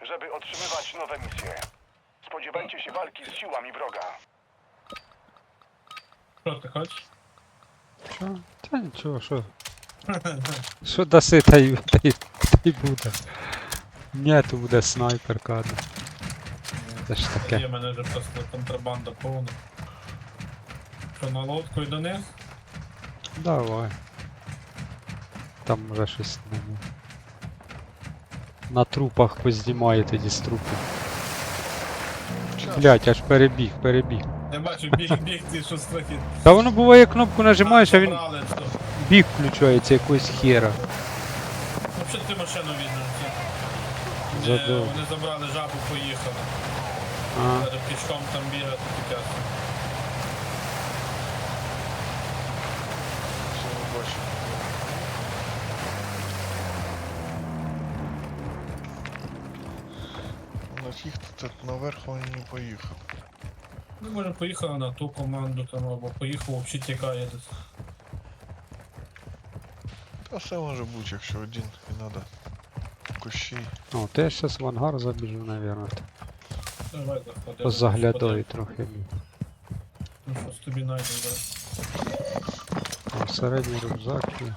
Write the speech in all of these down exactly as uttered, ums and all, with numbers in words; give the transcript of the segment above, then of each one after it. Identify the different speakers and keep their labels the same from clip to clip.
Speaker 1: żeby otrzymywać nowe misje. Spodziewajcie się walki z siłami wroga.
Speaker 2: Що chodź?
Speaker 3: Що? Та нічого, що? Що даси, та й, та й, та й буде. Ні, то буде снайперка одна. Це ж таке.
Speaker 2: Є в мене вже просто контрабанда повна. Що, на лодку і до них?
Speaker 3: Давай. Там вже щось не було. На трупах познімає тоді з трупів. Блять, аж перебіг, перебіг.
Speaker 2: Я бачу, біг, біг, ти що страхіт.
Speaker 3: Та воно буває, кнопку нажимаєш, а він
Speaker 2: Забрали, що?
Speaker 3: біг включається якогось хера.
Speaker 2: Ну, що ти машину візьмеш?
Speaker 3: Задов.
Speaker 2: Вони забрали жабу, поїхали.
Speaker 3: А,
Speaker 2: Треба пішком там бігати таке.
Speaker 4: Все, не бачу. На фіг тут наверх вони не поїхав.
Speaker 2: Ну, може поїхали на ту команду там, або поїхав, взагалі тікає десь.
Speaker 4: Та все може бути, якщо один і треба. Кущі.
Speaker 3: о, то я зараз в ангар забіжу, наверное.
Speaker 2: Давай заходи.
Speaker 3: Позаглядаю трохи.
Speaker 2: Ну щось тобі найдемо зараз.
Speaker 3: О, середній рюкзак є.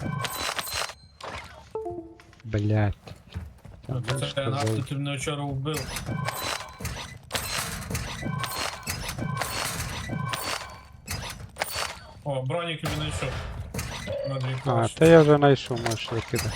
Speaker 3: Блять.
Speaker 2: Ну,
Speaker 3: Там
Speaker 2: це нафту ти мене вчора вбив. О, бронік тобі знайшов. На дві
Speaker 3: А,
Speaker 2: площі.
Speaker 3: та я вже знайшов, можеш викидати.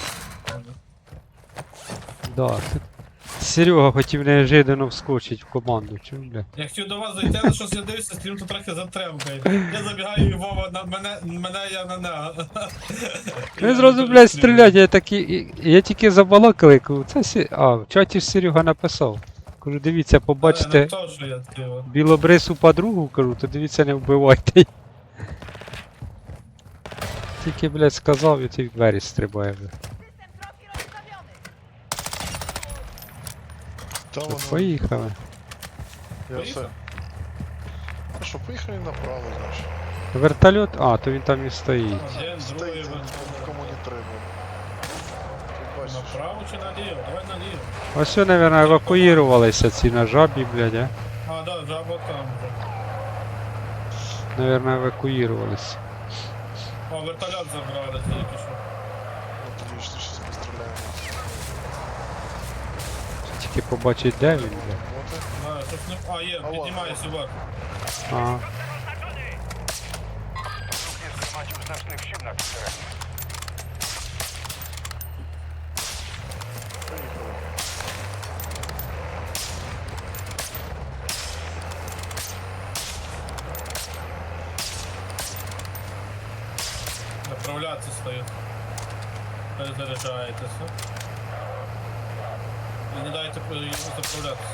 Speaker 3: Да. Серега хотів неожиданно вскочить в команду, чув, бля?
Speaker 2: Я хотів до вас зайти, але щось я дивився, стрім тут трохи затремкає. Я забігаю і Вова на мене, мене я на нього.
Speaker 3: Він зразу, блядь, стрілять, я такий, я тільки забалакали, кажу, це сі... А, в чаті ж Серега написав. Кажу, дивіться, побачите
Speaker 2: То, що я тіло.
Speaker 3: білобрису подругу, кажу, то дивіться, не вбивайте її. Тільки, блядь, сказав, і ти в двері стрибає, блядь.
Speaker 4: Та
Speaker 3: Що,
Speaker 4: воно.
Speaker 3: поїхали.
Speaker 4: Я все. Ну що, поїхали направо, значить.
Speaker 3: Вертольот? А, то він там і стоїть.
Speaker 2: Один, другий,
Speaker 4: Стоїть, кому не треба. Ти бачиш.
Speaker 2: направо чи наліво? Давай наліво.
Speaker 3: Ось все, наверное, евакуювалися ці на жабі, блядь, а?
Speaker 2: А, да, жаба там вже.
Speaker 3: Наверное, евакуювалися.
Speaker 2: О, вертольот забрали, тільки що.
Speaker 4: Отлично, зараз постріляємо.
Speaker 3: Тільки побачить, де він, блядь.
Speaker 4: Вот
Speaker 2: Да, щось не... А, є,
Speaker 4: А,
Speaker 2: піднімає
Speaker 4: ладно.
Speaker 2: собаку.
Speaker 3: Ага.
Speaker 1: Nie zgromadził znacznych sił na tym terenie.
Speaker 4: Поїхали.
Speaker 2: Направляться стоїть. Перезаряджаєтеся. І не дайте йому заправлятися.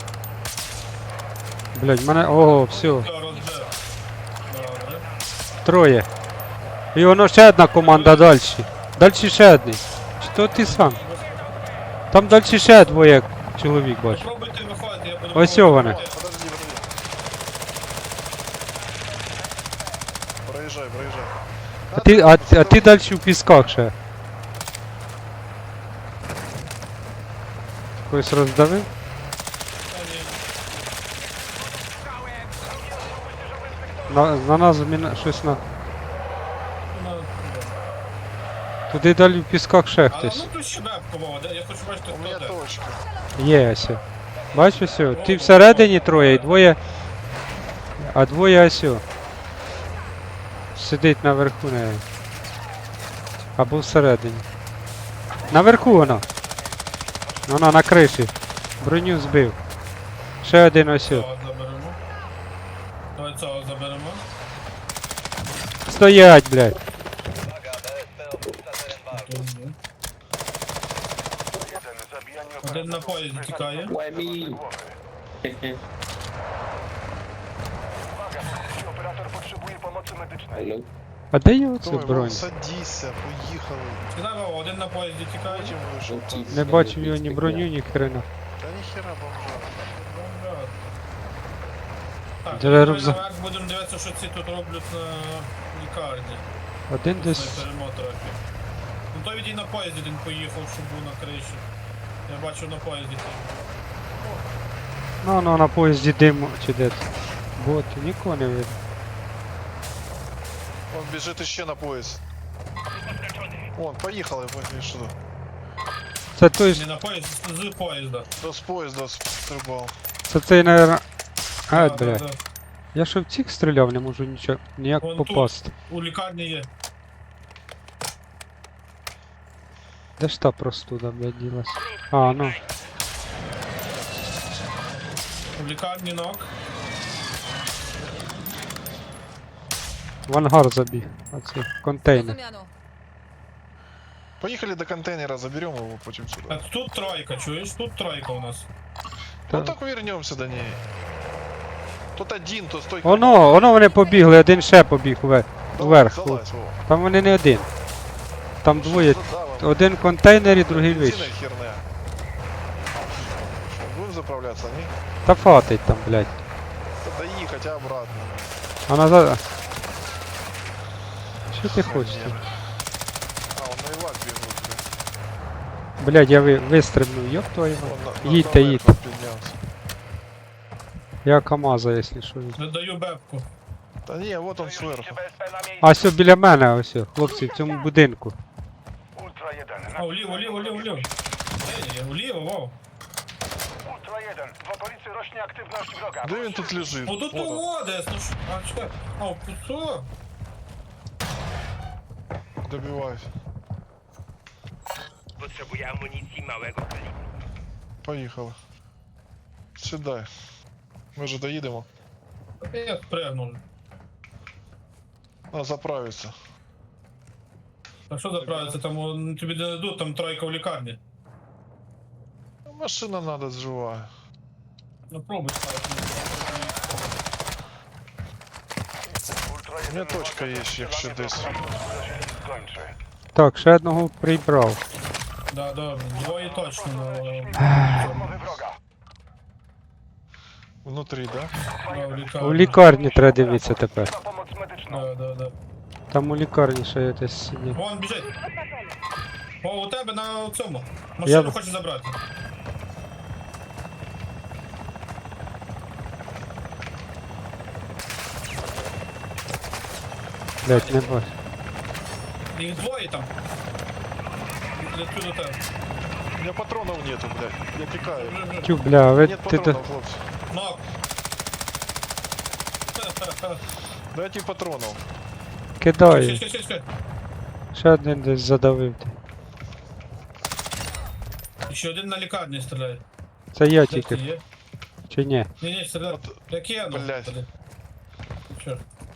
Speaker 3: Блядь, мене. Ого, все.
Speaker 2: Все, розбив. Добре.
Speaker 3: Троє. І воно ще одна команда далі. Далі ще один. Чи то ти сам? Там далі ще двоє чоловік бачу.
Speaker 2: Попробуйте виходити, я буду...
Speaker 3: Ось
Speaker 2: пробувати
Speaker 3: вони.
Speaker 2: виходити.
Speaker 4: Подожди, подожди. Проїжджай, проїжджай.
Speaker 3: А ти, а, а ти далі в пісках ще. Когось роздавив?
Speaker 2: Та ні.
Speaker 3: На, на нас міна, щось на.
Speaker 2: Ну,
Speaker 3: Туди далі в пісках ще
Speaker 2: але
Speaker 3: хтось.
Speaker 2: ну тут ще бебка, Вова, де- я хочу бачити,
Speaker 4: У
Speaker 2: хто
Speaker 4: мене
Speaker 2: де.
Speaker 4: точка.
Speaker 3: Є ось. Бачиш ось? Ти всередині троє і двоє. А двоє ось. Сидить наверху не. Або всередині. Наверху вона. Вона на криші. Броню збив. Ще один ось.
Speaker 2: Цього заберемо. Давай цього заберемо.
Speaker 3: Стоять, блядь.
Speaker 2: Тут є.
Speaker 1: Jeden zabijanie
Speaker 2: Один на
Speaker 1: operatorów
Speaker 2: поїзді
Speaker 1: wyznacza
Speaker 2: тікає.
Speaker 5: Łemi.
Speaker 1: głowy. Uwaga, jeśli operator potrzebuje pomocy medycznej.
Speaker 5: Hello.
Speaker 3: А де його це
Speaker 4: Давай,
Speaker 3: бронь?
Speaker 4: Вов, садися, поїхали.
Speaker 2: Сказав, Вова, один на поїзді тікає.
Speaker 4: Потім вийшов.
Speaker 5: Ну,
Speaker 4: там.
Speaker 3: Не бачив його ні броню, ні хрена.
Speaker 4: Та ніхера бомжа.
Speaker 2: Так,
Speaker 3: Де
Speaker 2: давай
Speaker 3: рюкзак?
Speaker 2: наверх будемо дивитися, що ці тут роблять на лікарні.
Speaker 3: Один десь.
Speaker 2: Снайперимо трохи. Ну той відій на поїзді він поїхав, щоб був на криші. Я бачу на поїзді.
Speaker 3: Ну, ну, на поїзді диму чи де. Боти, нікого не видно.
Speaker 4: Он бежит еще на поезд. Вон, поехали, поехали сюда.
Speaker 3: Це той
Speaker 2: Не
Speaker 3: ж,
Speaker 2: на поїзд, з поїзда.
Speaker 4: Да с поезда стрибал.
Speaker 3: це цей, наверно... А,
Speaker 2: Да, да,
Speaker 3: бля.
Speaker 2: да.
Speaker 3: Я ще в цих стріляв, не можу нічого, ніяк
Speaker 2: Вон тут.
Speaker 3: попасти.
Speaker 2: У лікарні є.
Speaker 3: Де ж та простуда, блядь, ділась? А, ну.
Speaker 2: У лікарні ног.
Speaker 3: В ангар забіг. Оце, контейнер.
Speaker 5: Rozumiano.
Speaker 4: Поехали до контейнера, заберем его, потом
Speaker 2: А
Speaker 4: сюда.
Speaker 2: тут тройка, чуєш? Тут тройка у нас.
Speaker 4: Ну
Speaker 3: Та-
Speaker 4: так вернемся до ней. Тут один, то стой.
Speaker 3: Воно, воно вони побігли, один ще побіг ве- вверх.
Speaker 4: Залазь, Вова.
Speaker 3: Там вони не один. Там
Speaker 4: Ну,
Speaker 3: двоє.
Speaker 4: что за- да, вон,
Speaker 3: Один контейнер і другий
Speaker 4: бензина
Speaker 3: вище.
Speaker 4: херня. Будем заправляться, не?
Speaker 3: Та фатить там, блядь.
Speaker 4: Да и хотя обратно.
Speaker 3: А назад. Що ти хочеш?
Speaker 4: Херня. А, он на Ивак бежит, блядь.
Speaker 3: Блядь, я ви, вистрибнув, ёб твою мать.
Speaker 4: Он на- на-
Speaker 3: Їдьте,
Speaker 4: наверх
Speaker 3: їдьте.
Speaker 4: поднялся.
Speaker 3: Я КамАЗа, якщо що.
Speaker 2: Не даю бебку.
Speaker 4: Да не, вот он сверху.
Speaker 1: B S P na miejscu.
Speaker 3: А все біля мене, ось, о, хлопці, в цьому будинку.
Speaker 1: Ultra jeden.
Speaker 2: А, уліво, уліво, уліво, уліво. Ні, ні, уліво, вов.
Speaker 1: Ultra jeden. W okolicy rośnie aktywność wroga.
Speaker 4: Да он тут лежит.
Speaker 2: Ну тут
Speaker 4: Вот он.
Speaker 2: того десь, ну ж. А, чекай. А, що?
Speaker 4: Добиваюсь.
Speaker 6: Potrzebuję amunicji małego kalibru.
Speaker 4: Поїхали. Сідай. Ми же доїдемо.
Speaker 2: Я спрягнув.
Speaker 4: А, заправиться.
Speaker 2: А що заправиться? Там о, ну, тобі не дадуть, там тройка в лікарні.
Speaker 4: Машина надо живая.
Speaker 2: Ну пробуй ставити.
Speaker 1: Ultra
Speaker 4: У
Speaker 1: jeden.
Speaker 4: мене точка є, якщо десь.
Speaker 1: Skończy.
Speaker 3: Так, ще одного прибрав.
Speaker 2: Да, добре, двоє точно. на-
Speaker 1: Mowy wroga.
Speaker 4: Внутрі, да?
Speaker 2: Да, в лікарні.
Speaker 3: У лікарні треба дивитися тепер.
Speaker 1: Na pomoc medyczną.
Speaker 2: Да, да, да.
Speaker 3: Там у лікарні ще є десь сидить.
Speaker 2: Вон біжить. О, у тебе на цьому.
Speaker 3: Я-
Speaker 2: Машину хоче забрати.
Speaker 3: Блять, не бачу.
Speaker 2: Їх двоє там. Лечу до тебе.
Speaker 4: У меня патронов нету, блядь. Я тікаю.
Speaker 2: Вже, вже.
Speaker 3: Тю, бля, ви
Speaker 4: Нет
Speaker 3: ти то.
Speaker 4: патронов, хлопці.
Speaker 2: Нок.
Speaker 4: Дайте патронов.
Speaker 3: Кидаю.
Speaker 2: Чекай, чекай, чекай.
Speaker 3: Ще один десь задавив. ти.
Speaker 2: Ще один на лікарні стріляє.
Speaker 3: Це я
Speaker 2: Де ти
Speaker 3: тільки,
Speaker 2: є?
Speaker 3: чи ні?
Speaker 2: Ні, ні, стріляє.
Speaker 4: От,
Speaker 2: Як я, ну.
Speaker 4: блядь.
Speaker 2: тоді. Що?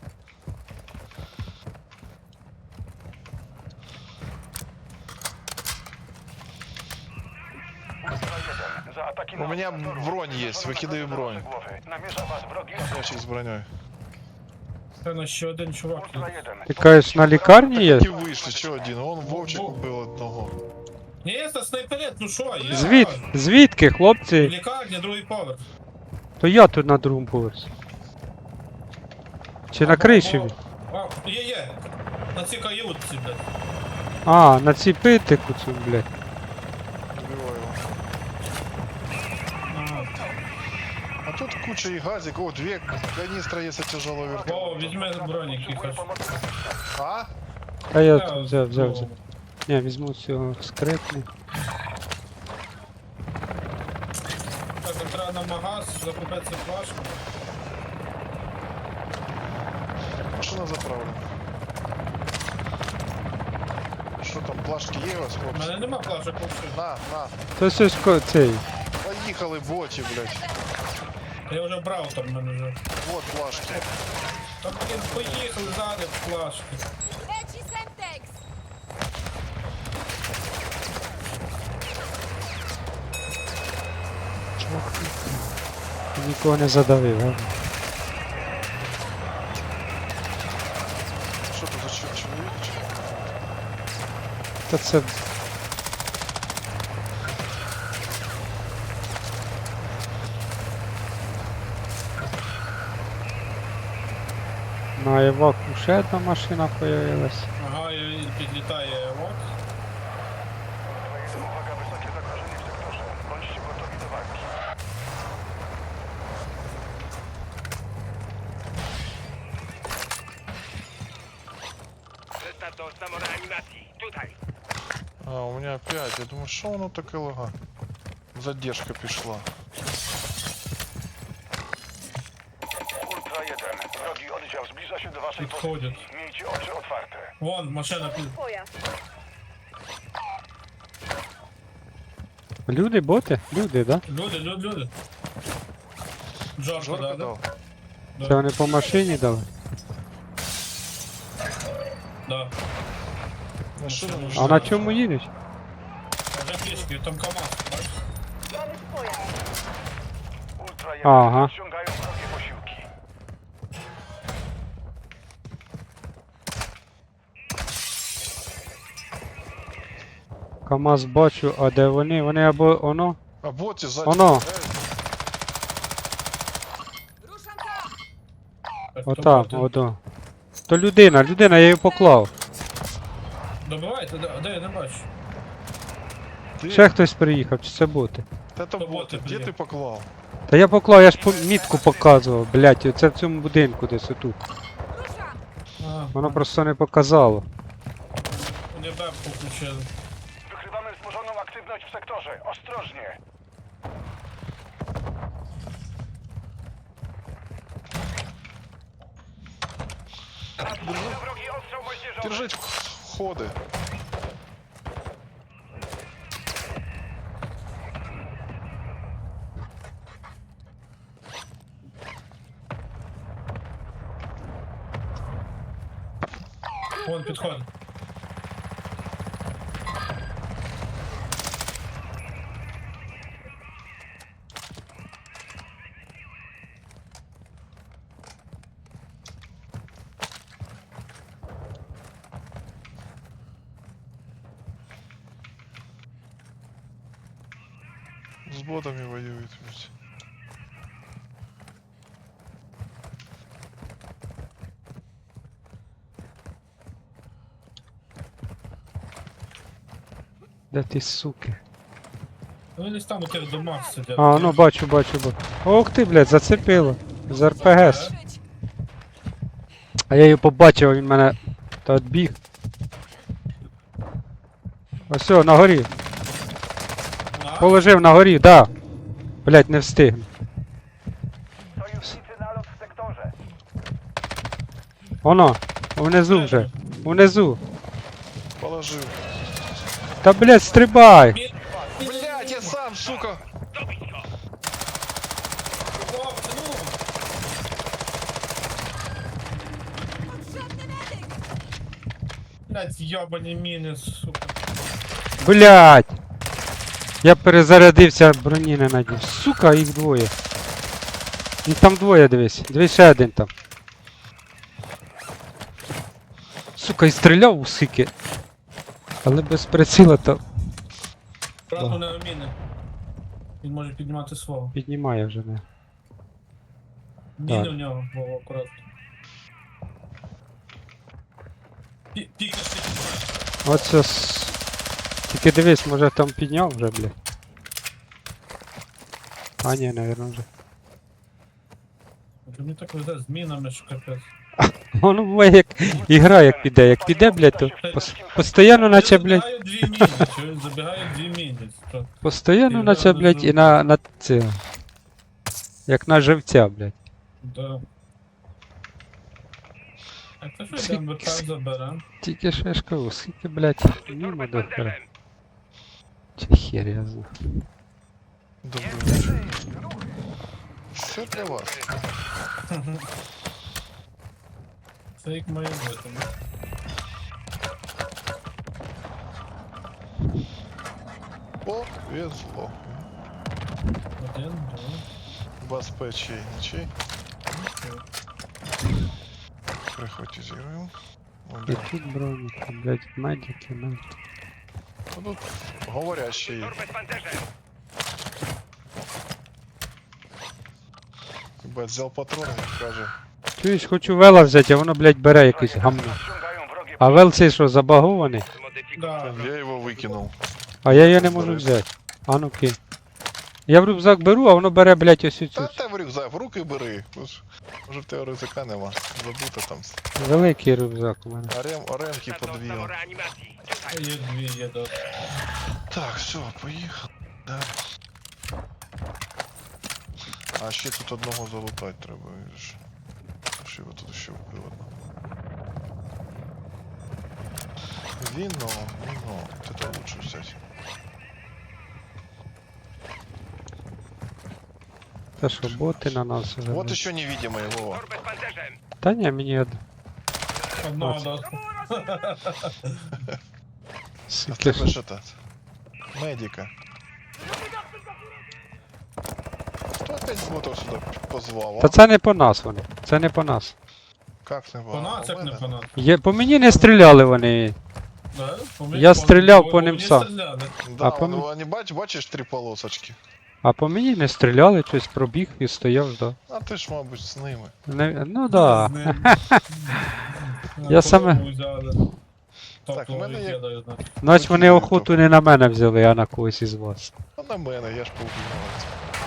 Speaker 1: Ultra jeden. Za ataki
Speaker 4: У меня
Speaker 1: na
Speaker 4: бронь есть, выкидываю бронь.
Speaker 1: głowy. Namierza was wrogi.
Speaker 4: Ящик з броней.
Speaker 2: Певно, ще один чувак.
Speaker 1: Ultra jeden.
Speaker 3: Ти кажеш, на лікарні є?
Speaker 4: Ті вийшли, що один? Он Вовчик убив одного.
Speaker 2: Ні, це снайперет, ну що, я.
Speaker 3: Звід, звідки,
Speaker 2: В
Speaker 3: хлопці?
Speaker 2: лікарні, другий поверх.
Speaker 3: То я тут на другому поверсі. Чи на криші він?
Speaker 2: А, є, є. На цій каютці, блядь.
Speaker 3: А, на цій питику цю, блядь.
Speaker 4: Убиваю його.
Speaker 2: Ага.
Speaker 4: А тут куча і газик. О, дві каністри є тяжелого
Speaker 2: О,
Speaker 4: вертольота.
Speaker 2: візьми бронік
Speaker 1: Potrzebuje
Speaker 2: якось.
Speaker 1: pomocy medycznej.
Speaker 4: А?
Speaker 3: А я
Speaker 2: Я
Speaker 3: тут взяв, взяв,
Speaker 2: ну,
Speaker 3: взяв. Ні, візьму цього скрипну.
Speaker 2: Так, нам треба на магаз, закупитися флажку.
Speaker 4: Машина заправлена. Що там, плашки є у вас,
Speaker 2: У
Speaker 4: хлопці?
Speaker 2: мене нема флажок взагалі.
Speaker 4: На, на.
Speaker 3: То все ж ко- цей.
Speaker 4: Поїхали, боті, блядь.
Speaker 2: Я вже брав там в мене вже.
Speaker 4: Вот плашки.
Speaker 2: Та блін, поїхали ззади флажки.
Speaker 5: Leci Semtex!
Speaker 3: Нікого не задавив, а?
Speaker 4: Що тут за чо- чоловік?
Speaker 3: Та це. На Іваку ще одна машина появилась.
Speaker 2: Ага, і підлітає вот.
Speaker 1: Ultra jeden. Uwaga, wysokie zagrożenie w sektorze.
Speaker 6: do samoreanimacji. Tutaj.
Speaker 4: А, у меня опять. Я думаю, що воно таке лага? Задержка пішла.
Speaker 1: Ultra jeden. Wrogi oddział zbliża się do waszej
Speaker 2: Podchodzą.
Speaker 1: pozycji. Miejcie oczy otwarte.
Speaker 2: Вон, машина під.
Speaker 3: Люди, боти? Люди, да?
Speaker 2: Люди, люди, люди. Джорка,
Speaker 4: Жорка
Speaker 2: да, да?
Speaker 4: дав.
Speaker 3: Це вони по машині дали?
Speaker 2: Да.
Speaker 4: Машина
Speaker 2: Машина.
Speaker 3: А на чому їдуть?
Speaker 2: Вже пішки, там КамАЗ, бачиш?
Speaker 1: Ultra jeden.
Speaker 3: Aha.
Speaker 1: Ściągają wrogie posiłki.
Speaker 3: КамАЗ бачу, а де вони? Вони або воно?
Speaker 4: А боті ззаді.
Speaker 3: Воно.
Speaker 5: Ruszam tam!
Speaker 2: Так,
Speaker 3: Отам,
Speaker 2: то
Speaker 3: ото. То людина, людина, я її поклав.
Speaker 2: Добивайте, де, де я не бачу.
Speaker 4: Ти...
Speaker 3: Ще хтось приїхав, чи це боти?
Speaker 4: Та то
Speaker 2: То
Speaker 4: боти.
Speaker 2: боти,
Speaker 4: Де
Speaker 2: блін.
Speaker 4: ти поклав?
Speaker 3: Та я поклав, я ж по- мітку показував, блядь, оце в цьому будинку десь отут.
Speaker 5: Ruszam!
Speaker 2: А,
Speaker 3: Воно просто не показало.
Speaker 2: вони бебку включили.
Speaker 1: Wykrywamy wzmożoną aktywność w sektorze. Ostrożnie.
Speaker 6: Wrogi ostrzał moździerzowy.
Speaker 4: Держить ходи.
Speaker 2: Вон, підходить.
Speaker 4: З ботами воюють. блядь.
Speaker 3: Де ти, суки?
Speaker 2: Ну, вони там у тих домах сидять.
Speaker 3: А, ну бачу, бачу, бачу. Ох ти, блядь, зацепило. З РПГ. А я її побачив, а він мене та відбіг. Ось, о, на горі.
Speaker 2: А?
Speaker 3: Положив на горі, да. Блядь, не встигну.
Speaker 1: Sojusznicy nalot w sektorze.
Speaker 3: Воно, внизу вже. Внизу.
Speaker 4: Положив.
Speaker 3: Та, блядь, стрибай!
Speaker 2: Мі-
Speaker 4: Блять, я сам, сука!
Speaker 2: Хлопці, ну!
Speaker 5: Potrzebny medyk!
Speaker 2: Блядь, йобані міни, сука.
Speaker 3: Блядь! Я перезарядився, броні не надів. Сука, їх двоє. Їх там двоє, дивись. Дивись, ще один там. Сука, і стріляв у сики. Але без приціла то
Speaker 2: Брат у нього міни. Він може піднімати свого.
Speaker 3: піднімає вже не.
Speaker 2: Міни
Speaker 3: Так.
Speaker 2: у нього, Вова, акуратно. Пі- Пікнеш, пікнеш.
Speaker 3: Оце с... Тільки дивись, може там підняв вже, блядь. А ні, навірно вже.
Speaker 2: Мені так везе з мінами, що капець.
Speaker 3: Воно буває як ігра як піде. Як піде, блядь, то пос... постійно наче, блядь,
Speaker 2: Забігають дві міни, чуєш? Забігають дві міни. Що?
Speaker 3: постійно наче, блядь, і на, на це. Як на живця, блядь.
Speaker 2: Да. Так, то що йдемо ВП заберем?
Speaker 3: Тільки що я ж кажу, скільки, блядь, мимо
Speaker 6: Torped
Speaker 3: до хера.
Speaker 6: pancerzem.
Speaker 3: Чи хер я знаю.
Speaker 4: Добрий вечір. Все для вас.
Speaker 2: Це як має бути. ну.
Speaker 4: Повезло.
Speaker 2: Один, два,
Speaker 4: Безпечий нічий.
Speaker 2: три.
Speaker 4: Прихватизируем.
Speaker 3: І тут броніки, блядь, медики, ну.
Speaker 4: А тут говорящий є.
Speaker 6: Torped pancerzem.
Speaker 4: Бать, взял патроны, каже.
Speaker 3: Чуєш, хочу вела взяти, а воно, блядь, бере якесь гамно.
Speaker 1: Ściągają wrogie
Speaker 3: А вел цей що, забагований?
Speaker 2: Да,
Speaker 4: Я его выкинул.
Speaker 3: А я його не можу взяти. А ну кинь. Я в рюкзак беру, а воно бере, блядь, ось цю.
Speaker 4: Та те в рюкзак, в руки бери. Ну ж, може в тебе рюкзака нема. Забуто там.
Speaker 3: Великий рюкзак у мене.
Speaker 4: Арем, аремки
Speaker 6: Zaznał
Speaker 4: подвів.
Speaker 6: stało reanimacji. Tutaj.
Speaker 2: Є дві, є до.
Speaker 4: Так, все, поїхали. Далі. А ще тут одного залутати треба, видиш. Що його тут ще вбив одного. Вино, вино. Вот это лучше взять.
Speaker 3: Це що, боти на нас вже.
Speaker 4: Вот
Speaker 3: блядь?
Speaker 4: еще невидимый, Вова.
Speaker 6: Torbę z pancerzem.
Speaker 3: Та ні, мені од...
Speaker 2: Одного
Speaker 3: Ось.
Speaker 2: до.
Speaker 4: А
Speaker 3: Суки,
Speaker 4: ты ж это... Медика. Кто опять ботов сюда позвал?
Speaker 3: Та
Speaker 4: А?
Speaker 3: це не по нас вони. Це не по нас.
Speaker 4: Как не
Speaker 2: По нас, як не по нас.
Speaker 3: Є... По мені не стріляли вони.
Speaker 2: Да? По мені-
Speaker 3: Я
Speaker 2: по-
Speaker 3: стріляв
Speaker 2: по-
Speaker 3: по
Speaker 2: по
Speaker 3: ним
Speaker 2: мені
Speaker 3: сам.
Speaker 2: стріляли.
Speaker 4: Да,
Speaker 3: А
Speaker 4: он,
Speaker 3: помни-
Speaker 4: они бач, бачишь три полосочки.
Speaker 3: А по мені не стріляли, щось пробіг і стояв, ждав.
Speaker 4: А ти ж, мабуть, з ними.
Speaker 3: Не... Ну да.
Speaker 2: З ним.
Speaker 3: Я саме-
Speaker 2: Корову взяли.
Speaker 4: Так,
Speaker 2: Тобто
Speaker 4: в мене є-
Speaker 2: викидаю, значить.
Speaker 3: Значить вони охоту не на мене взяли, а на когось із вас.
Speaker 4: А на мене, я ж повбивав.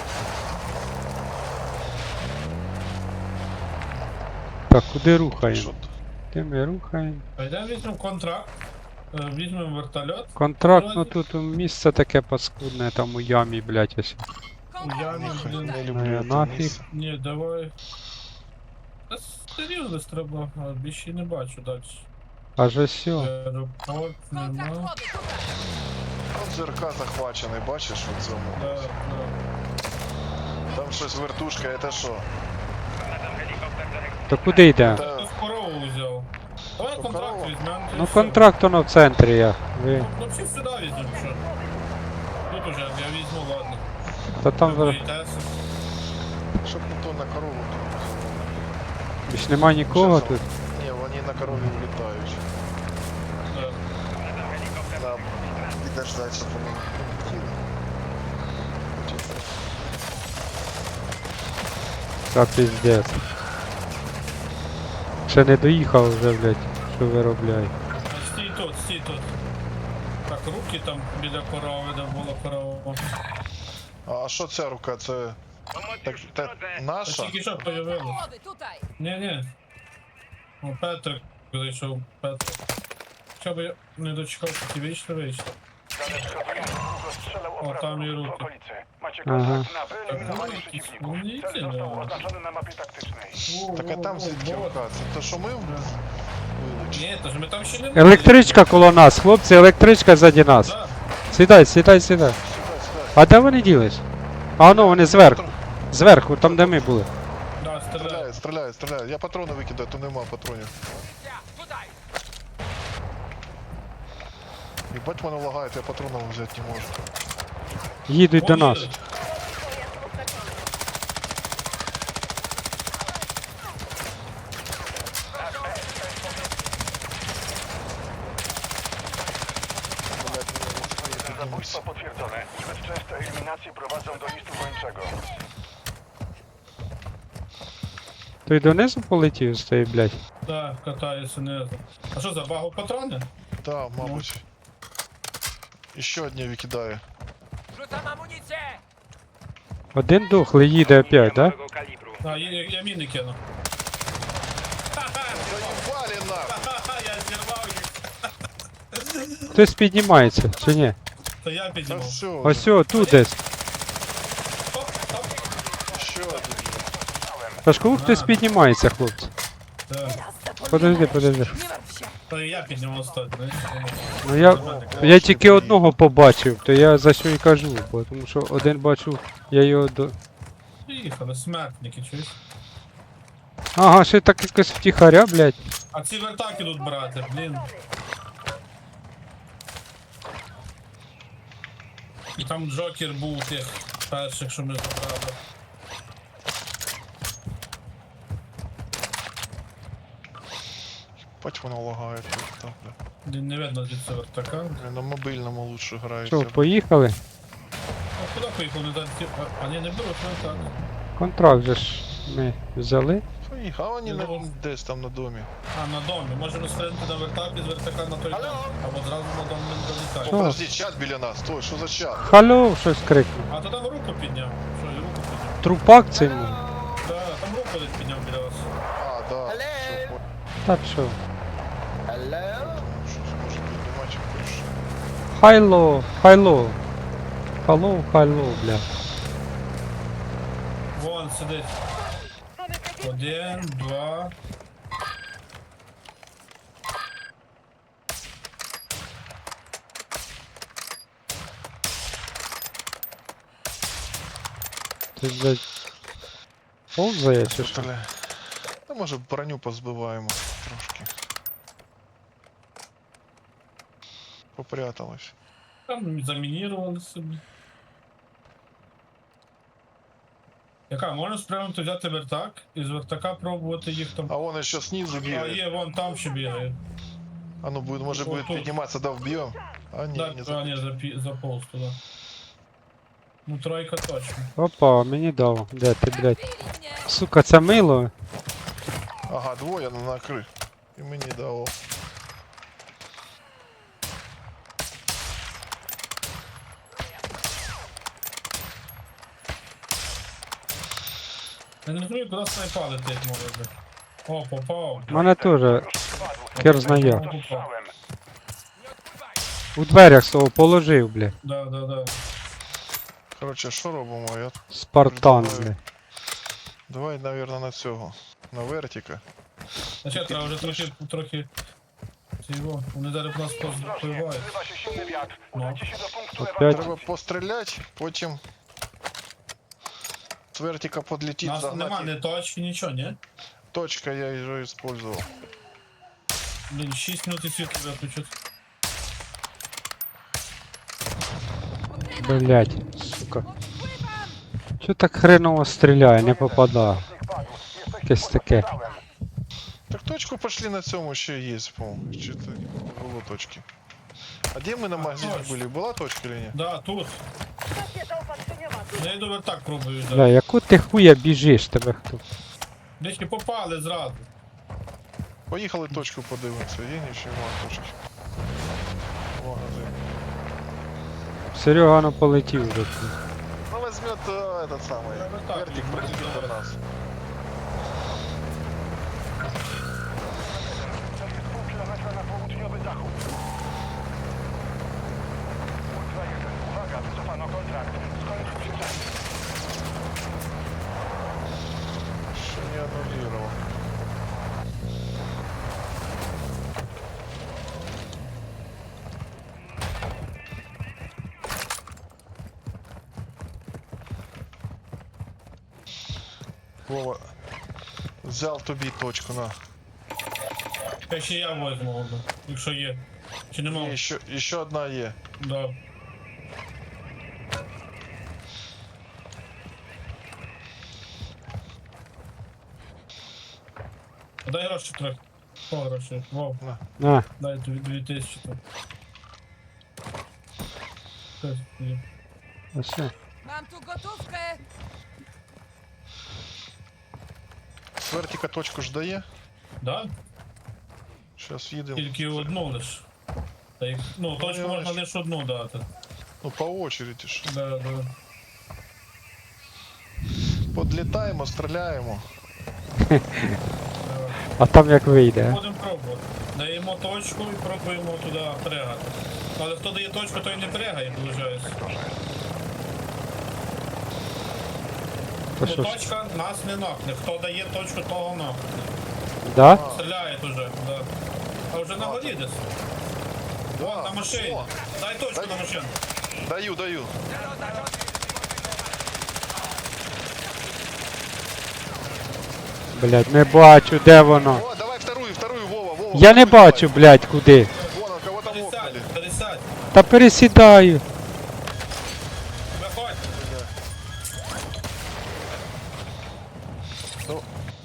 Speaker 3: Так, куди
Speaker 4: Що
Speaker 3: рухаємо?
Speaker 4: тут?
Speaker 3: Де ми рухаємо?
Speaker 2: А йдемо візьмемо контракт, е, візьмемо вертольот.
Speaker 3: Контракт, ну тут місце таке паскудне, там у ямі, блядь, ось.
Speaker 2: Я
Speaker 5: Kontakt
Speaker 2: не
Speaker 5: ruszam.
Speaker 2: блін.
Speaker 4: Не
Speaker 3: Ну,
Speaker 4: люблю
Speaker 3: я
Speaker 4: це
Speaker 3: нафіг.
Speaker 4: місце.
Speaker 2: Ні, давай. Та серйозно треба, а більше не бачу далі.
Speaker 3: Аж ось сьо.
Speaker 2: Аеропорт
Speaker 5: Kontrakt
Speaker 2: нема.
Speaker 5: wody, tutaj.
Speaker 4: От зерка захвачений, бачиш у цьому?
Speaker 2: Да, да.
Speaker 4: Там щось вертушка, це що?
Speaker 6: Nadam helikopter do rekrutacji.
Speaker 3: То куди йдемо?
Speaker 4: Та-
Speaker 2: Хтось корову взяв. Давай
Speaker 4: То
Speaker 2: контракт
Speaker 4: корову?
Speaker 2: візьмемо.
Speaker 3: Ну контракт воно в центрі я. Ви.
Speaker 2: Ну всі сюди візьмемо, що. Тут уже, я візьму, ладно.
Speaker 3: Та там
Speaker 2: Ви
Speaker 3: зараз
Speaker 2: боїтеся?
Speaker 4: Щоб ніхто на корову.
Speaker 3: більш нема нікого тут.
Speaker 4: Ні, вони на корові влітають.
Speaker 2: Да.
Speaker 6: Nadam helikopter do
Speaker 4: Нам
Speaker 6: rekrutacji.
Speaker 4: підождати, щоб вони летіли.
Speaker 3: Та піздець. Ще не доїхав вже, блядь, що виробляє.
Speaker 2: А стій тут, стій тут. Так, руки там біля корови, де була корова.
Speaker 4: А а що ця рука? Це
Speaker 6: Pomoc
Speaker 4: так,
Speaker 6: już w
Speaker 4: та,
Speaker 6: drodze.
Speaker 2: Та
Speaker 4: наша?
Speaker 2: тільки що
Speaker 5: Kontrakt
Speaker 2: появилось.
Speaker 5: wody, tutaj.
Speaker 2: Ні-ні. О, Петрик зайшов, Петрик. Що би я не дочекався, ті вийшли, вийшли.
Speaker 1: Dane wskazują, że długo strzelał
Speaker 2: O,
Speaker 1: obrazów
Speaker 2: tam i
Speaker 1: w
Speaker 2: ruchy.
Speaker 1: okolicy. Macie
Speaker 3: Aha.
Speaker 1: kontakt na wyeliminowanie
Speaker 2: Tak,
Speaker 1: przeciwników.
Speaker 2: wspólnicy,
Speaker 1: Cel został
Speaker 2: no.
Speaker 1: oznaczony na mapie taktycznej.
Speaker 4: Так а там звідки рука? Це то, що ми вилучили?
Speaker 2: Ні, то ж ми там ще не були.
Speaker 3: Електричка коло нас, хлопці, електричка ззаді нас.
Speaker 2: Да.
Speaker 3: Сідай, сідай, сідай.
Speaker 4: Сюди, сюди.
Speaker 3: А де вони ділись? А ну вони зверху. Зверху, там де ми були.
Speaker 2: Да, стріляє.
Speaker 4: Стріляє, стріляє, стріляє. Я патрони викидаю, то нема патронів.
Speaker 6: Ja, tutaj.
Speaker 4: Єбать мене лагає, я патронів взяти не можу.
Speaker 3: Їдуть до
Speaker 2: Вон
Speaker 3: нас.
Speaker 2: їдуть.
Speaker 1: Zabójstwo potwierdzone. Zbyt częste eliminacje prowadzą do listu gończego.
Speaker 3: Той донизу полетів з тої, блядь.
Speaker 2: Да, катається знизу. А що за багу патрони?
Speaker 4: Да, мабуть. Ще одне викидає.
Speaker 6: Rzucam amunicję.
Speaker 3: Один дохлий їде опять, да?
Speaker 6: Małego kalibru.
Speaker 2: А, я, я міни кину.
Speaker 4: Заїбали нахуй!
Speaker 2: Ха-ха, я зірвав їх.
Speaker 3: Хтось піднімається, чи ні?
Speaker 2: То я
Speaker 4: Та
Speaker 2: піднімав.
Speaker 4: все,
Speaker 3: Ось о, тут десь.
Speaker 2: Оп, оп.
Speaker 4: ще один.
Speaker 3: Та ж кого хтось піднімається, хлопці.
Speaker 2: Да.
Speaker 3: Подожди, подожди.
Speaker 5: Nie martw się.
Speaker 2: То я піднімав стать, знаєш.
Speaker 3: Ну я, я тільки одного побачив, то я за що і кажу, бо тому що один бачу, я його до.
Speaker 2: Приїхали, смертники, чуєш?
Speaker 3: Ага, ще так якось втіхаря, блядь.
Speaker 2: А ці вертаки тут брати, блін. І там Джокер був тих перших, що ми забрали.
Speaker 4: Бать воно лагає тут. Так, бля.
Speaker 2: Блін, не видно звідси вертака.
Speaker 4: Блін, на мобільному лучше
Speaker 3: Що,
Speaker 4: грається.
Speaker 3: поїхали?
Speaker 2: А куди поїхав? Не дати. А, а ні, не беруть вертак.
Speaker 3: Контракт же ж ми взяли.
Speaker 4: Поїхав, а вони на,
Speaker 2: Ну.
Speaker 4: десь там на домі.
Speaker 2: А, на домі. Можемо стрельнути на вертак і з вертака на той дом. Або зразу на дом не долітає.
Speaker 3: Що?
Speaker 4: Подожди, чат біля нас, стой, що за чат?
Speaker 3: Халло, щось крикнув.
Speaker 2: А то там руку підняв. Що, і руку підняв.
Speaker 3: Трупак цей. ну. Та що?
Speaker 4: Що це може бути матч більше?
Speaker 3: Хайло, хайло. Хайло, хайло, бля.
Speaker 2: Вон сидить. Один, два.
Speaker 3: Ти, блядь, повзає чи що?
Speaker 4: Бля. Та може броню позбиваємо трошки. Попряталась.
Speaker 2: Там замінірували собі. Яка, можна спрямити взяти вертак і з вертака пробувати їх там.
Speaker 4: А вон еще снизу
Speaker 2: А
Speaker 4: бегает.
Speaker 2: є, вон там ще бігає.
Speaker 4: А ну будет, может
Speaker 2: Вот
Speaker 4: будет
Speaker 2: тут.
Speaker 4: подниматься, да, вбьем. А не,
Speaker 2: Да,
Speaker 4: не
Speaker 2: а, ні,
Speaker 4: за...
Speaker 2: запі- заповз туди. Ну, тройка точно.
Speaker 3: Опа, мені дав. Де ти, блядь?
Speaker 5: Били меня!
Speaker 3: Сука, це мило.
Speaker 4: Ага, двое на накры. И мне дало.
Speaker 2: Я не розумію, куди снайпа летить може бути. О, попав.
Speaker 3: Мене теж хер знає.
Speaker 2: Попав.
Speaker 1: Strzałem.
Speaker 6: Nie odpływaj!
Speaker 3: У дверях свого положив, блядь.
Speaker 2: Да, да, да.
Speaker 4: Короче, що робимо? Я...
Speaker 3: Спартан,
Speaker 4: Давай.
Speaker 3: блядь.
Speaker 4: Давай, наверное, на цього. На вертика.
Speaker 2: Значить, треба вже трохи, трохи... Цього, вони зараз нас
Speaker 1: Ostrożnie,
Speaker 2: позбивають.
Speaker 1: zrywa się silny wiatr. Udajcie się do punktu
Speaker 3: Опять?
Speaker 1: ewakuacji.
Speaker 4: Треба постріляти, потім з вертика
Speaker 2: У
Speaker 4: подлетіть,
Speaker 2: нас нема
Speaker 4: загнати.
Speaker 2: ні точки, нічого, ні?
Speaker 4: Точка я вже использовал.
Speaker 2: Блін, шість минут і світло виключить.
Speaker 3: Блядь, сука. Чо так хреново стріляє, не попадає. Якесь таке.
Speaker 4: Так точку пошли на цьому ще є, по-моєму. Чи це не було точки? А де ми на магазині
Speaker 2: точно.
Speaker 4: були? Була точка чи ні?
Speaker 2: Да, тут. Я йду вертак пробую.
Speaker 3: Бля,
Speaker 2: Да.
Speaker 3: яку ти хуя біжиш, тебе хто?
Speaker 2: Десь і попали зразу.
Speaker 4: Поїхали точку подивимося, є нічого точки. Магазин.
Speaker 3: Серега ну полетів вже.
Speaker 4: Ну возьмет э, этот самый
Speaker 2: Я вот так
Speaker 4: вертик,
Speaker 2: люблю,
Speaker 4: пролетит
Speaker 2: да.
Speaker 4: до нас.
Speaker 1: Cel jest pół kilometra na południowy zachód. Ultra jeden. Uwaga, wycofano kontrakt. Skończył się czas.
Speaker 4: Еще не аннулировал. Вова, взял тобі точку на.
Speaker 2: Хай ще я возьму, ладно, якщо є. Чи нема?
Speaker 4: Є, ще, ще одна є.
Speaker 2: Да. А дай гроші трохи. О, гроші. Вов,
Speaker 3: На,
Speaker 2: дай дві, дві тисячі там. Щось є.
Speaker 3: ось.
Speaker 5: Mam tu gotówkę!
Speaker 4: З вертика точку ж дає.
Speaker 2: Да?
Speaker 4: Зараз їдемо.
Speaker 2: Тільки одну лиш. Та їх, ну, точку
Speaker 4: я
Speaker 2: можна
Speaker 4: бачу.
Speaker 2: лише одну дати.
Speaker 4: Ну по очереді ж.
Speaker 2: Да, да.
Speaker 4: Подлітаємо, стріляємо.
Speaker 2: Давай.
Speaker 3: А там як вийде?
Speaker 2: Будемо пробувати. Даємо точку і пробуємо туди пригати. Але хто дає точку, той не пригає, виходить.
Speaker 3: То
Speaker 2: Ну,
Speaker 3: що ж?
Speaker 2: точка нас не нокне. Хто дає точку, того нокне.
Speaker 3: Да?
Speaker 2: Стріляє уже, да. А вже на горі десь. Вон, на машині.
Speaker 4: О,
Speaker 2: Дай точку
Speaker 4: Дай.
Speaker 2: на машину.
Speaker 4: даю, даю.
Speaker 3: Блядь, не бачу, де воно.
Speaker 4: О, давай вторую, вторую, Вова, Вова.
Speaker 3: Я не
Speaker 4: вторую
Speaker 3: бачу, блядь, куди.
Speaker 4: давай. Вон, кого там
Speaker 2: Пересядь,
Speaker 4: окнали.
Speaker 2: пересядь.
Speaker 3: Та пересідаю.
Speaker 2: Виходь.
Speaker 4: Ну,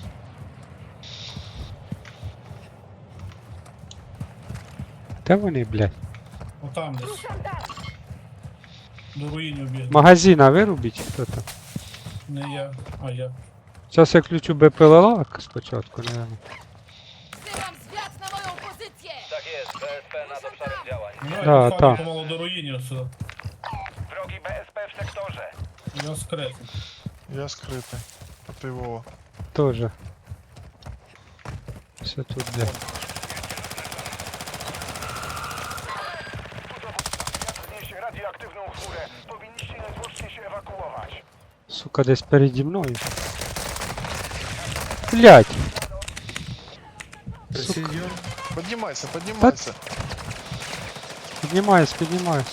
Speaker 3: Де вони, блядь?
Speaker 2: Отам десь. До руїнів біг.
Speaker 3: Магазина вирубіть, хто там?
Speaker 2: Не я, а я.
Speaker 3: Зараз я включу БПЛА спочатку, не.
Speaker 5: Wzywam zwiat na moją pozycję!
Speaker 6: Tak jest, B S P nad obszarem działań.
Speaker 2: Ну,
Speaker 3: Да,
Speaker 2: я
Speaker 3: та.
Speaker 2: підходжу помалу до руїнів сюди.
Speaker 1: Wrogi B S P w sektorze.
Speaker 2: Я скритий.
Speaker 4: я скрытый. А ты Вова.
Speaker 3: Тоже. Десь отут де.
Speaker 1: Wiatr niesie radioaktywną chmurę. Powinniście niezwłocznie się ewakuować.
Speaker 3: Сука, десь переді мною. Блять!
Speaker 7: Прецизион.
Speaker 4: Поднимайся, поднимайся.
Speaker 3: Піднімаюсь, піднімаюсь.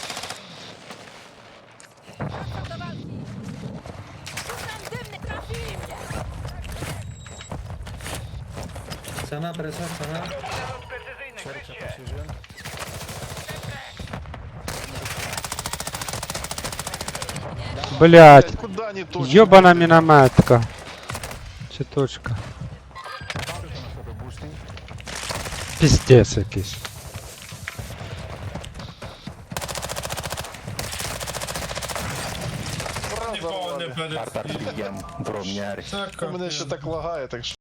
Speaker 5: Wracam do walki. Rzucam dymny, trafili mnie.
Speaker 7: Sana, presa, sana.
Speaker 6: Precyzyjny, krycie.
Speaker 3: Блять!
Speaker 4: Блядь, куда не точно?
Speaker 3: Йобана мінометка. Чи точка? Піздець якийсь.
Speaker 2: Нікого не
Speaker 4: Разорвали.
Speaker 2: перед.
Speaker 4: У мене ще так лагає, так що.